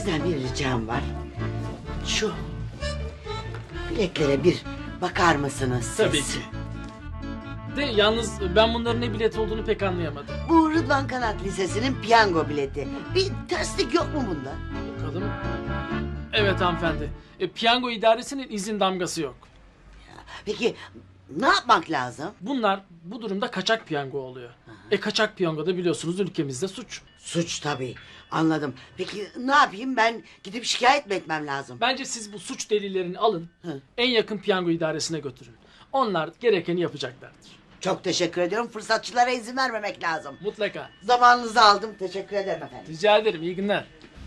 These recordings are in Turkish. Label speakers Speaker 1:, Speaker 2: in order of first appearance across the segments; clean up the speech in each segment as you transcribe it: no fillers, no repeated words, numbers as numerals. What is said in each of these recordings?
Speaker 1: Sizden bir ricam var. Şu biletlere bir bakar mısınız siz?
Speaker 2: Tabii ki. De yalnız ben bunların ne bilet olduğunu pek anlayamadım.
Speaker 1: Bu Rıdvan Kanat Lisesi'nin piyango bileti. Bir terslik yok mu bunda?
Speaker 2: Bakalım. Evet hanımefendi. Piyango idaresinin izin damgası yok.
Speaker 1: Peki ne yapmak lazım?
Speaker 2: Bunlar bu durumda kaçak piyango oluyor. Kaçak piyango da biliyorsunuz ülkemizde suç.
Speaker 1: Suç tabii. Anladım. Peki ne yapayım, ben gidip şikayet mi etmem lazım?
Speaker 2: Bence siz bu suç delillerini alın.
Speaker 1: Hı.
Speaker 2: En yakın piyango idaresine götürün. Onlar gerekeni yapacaklardır.
Speaker 1: Çok teşekkür ediyorum. Fırsatçılara izin vermemek lazım.
Speaker 2: Mutlaka.
Speaker 1: Zamanınızı aldım. Teşekkür ederim efendim.
Speaker 2: Rica ederim. İyi günler.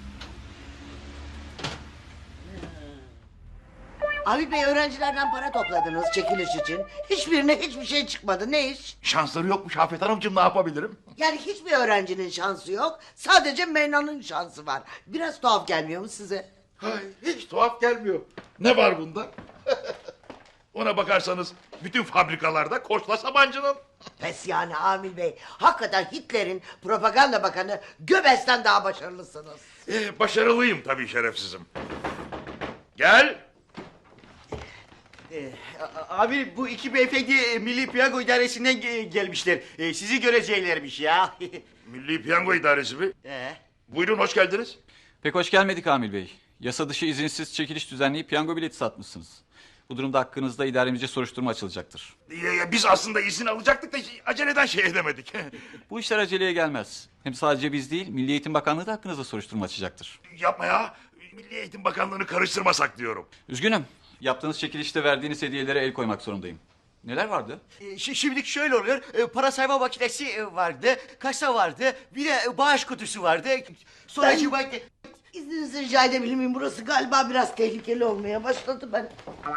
Speaker 1: Abi Bey, öğrencilerden para topladınız çekiliş için. Hiçbirine hiçbir şey çıkmadı. Ne iş?
Speaker 3: Şansları yokmuş Afet Hanımcığım, ne yapabilirim?
Speaker 1: Yani hiçbir öğrencinin şansı yok. Sadece Meyna'nın şansı var. Biraz tuhaf gelmiyor mu size?
Speaker 3: Hay, hiç tuhaf gelmiyor. Ne var bunda? Ona bakarsanız bütün fabrikalarda Koçla Sabancı'nın.
Speaker 1: Pes yani Amil Bey. Hakikaten Hitler'in propaganda bakanı Göbels'ten daha başarılısınız.
Speaker 3: Başarılıyım tabii, şerefsizim. Gel.
Speaker 4: Abi bu iki beyefendi Milli Piyango İdaresi'nden gelmişler. Sizi göreceklermiş ya.
Speaker 3: Milli Piyango İdaresi mi?
Speaker 4: Ee?
Speaker 3: Buyurun, hoş geldiniz.
Speaker 5: Pek hoş gelmedik Amil Bey. Yasa dışı izinsiz çekiliş düzenleyip piyango bileti satmışsınız. Bu durumda hakkınızda idaremizce soruşturma açılacaktır.
Speaker 3: Biz aslında izin alacaktık da aceleden şey edemedik.
Speaker 5: Bu işler aceleye gelmez. Hem sadece biz değil, Milli Eğitim Bakanlığı da hakkınızda soruşturma açacaktır.
Speaker 3: Yapma ya. Milli Eğitim Bakanlığı'nı karıştırmasak diyorum.
Speaker 5: Üzgünüm. Yaptığınız çekilişte verdiğiniz hediyelere el koymak zorundayım. Neler vardı?
Speaker 4: Şimdilik şöyle oluyor. Para sayma makinesi vardı, kasa vardı, bir de bağış kutusu vardı. Sonra
Speaker 1: İzninizi rica edebilir miyim? Burası galiba biraz tehlikeli olmaya başladı. Ben...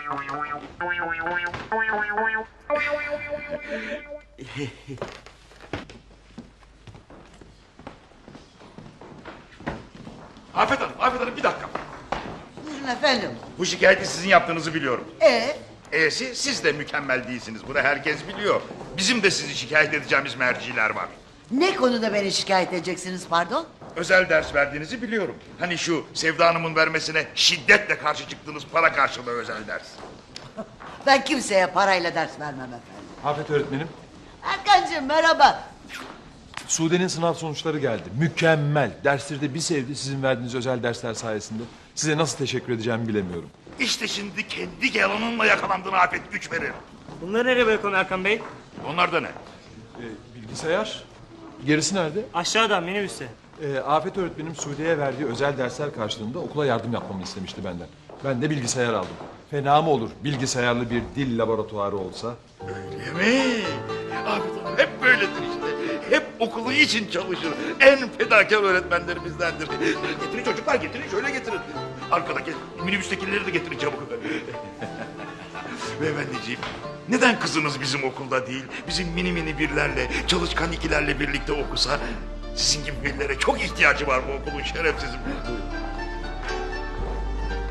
Speaker 3: Afet Hanım bir dakika.
Speaker 1: Buyurun efendim.
Speaker 3: Bu şikayeti sizin yaptığınızı biliyorum. Siz de mükemmel değilsiniz. Bunu herkes biliyor. Bizim de sizi şikayet edeceğimiz merciler var.
Speaker 1: Ne konuda beni şikayet edeceksiniz pardon?
Speaker 3: Özel ders verdiğinizi biliyorum. Hani şu Sevda Hanım'ın vermesine şiddetle karşı çıktığınız para karşılığı özel ders.
Speaker 1: Ben kimseye parayla ders vermem efendim.
Speaker 6: Afet öğretmenim,
Speaker 1: Erkancığım merhaba.
Speaker 6: Sude'nin sınav sonuçları geldi. Mükemmel. Dersleri de bir sevdi sizin verdiğiniz özel dersler sayesinde. Size nasıl teşekkür edeceğimi bilemiyorum.
Speaker 3: İşte şimdi kendi yalanınla yakalandığın Afet güç verir.
Speaker 7: Bunları nereye bırakıyorsun Erkan Bey?
Speaker 3: Onlar da ne?
Speaker 6: Bilgisayar. Gerisi nerede?
Speaker 7: Aşağıda minibüste.
Speaker 6: Afet öğretmenim Sude'ye verdiği özel dersler karşılığında okula yardım yapmamı istemişti benden. Ben de bilgisayar aldım. Fena mı olur bilgisayarlı bir dil laboratuvarı olsa?
Speaker 3: Öyle mi? Afet Hanım hep böyledir işte. Hep okulu için çalışır. En fedakar öğretmenlerimizdendir. Getirin çocuklar, getirin, şöyle getirin. Arkadaki minibüstekileri de getirin çabuk. Beyefendiciğim, neden kızınız bizim okulda değil, bizim mini mini birlerle, çalışkan ikilerle birlikte okusa? Sizin gibi birilere çok ihtiyacı var bu okulun, şerefsizim.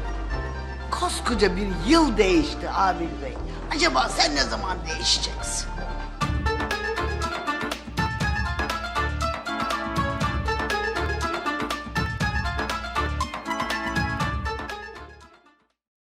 Speaker 1: Koskoca bir yıl değişti Amil Bey. Acaba sen ne zaman değişeceksin?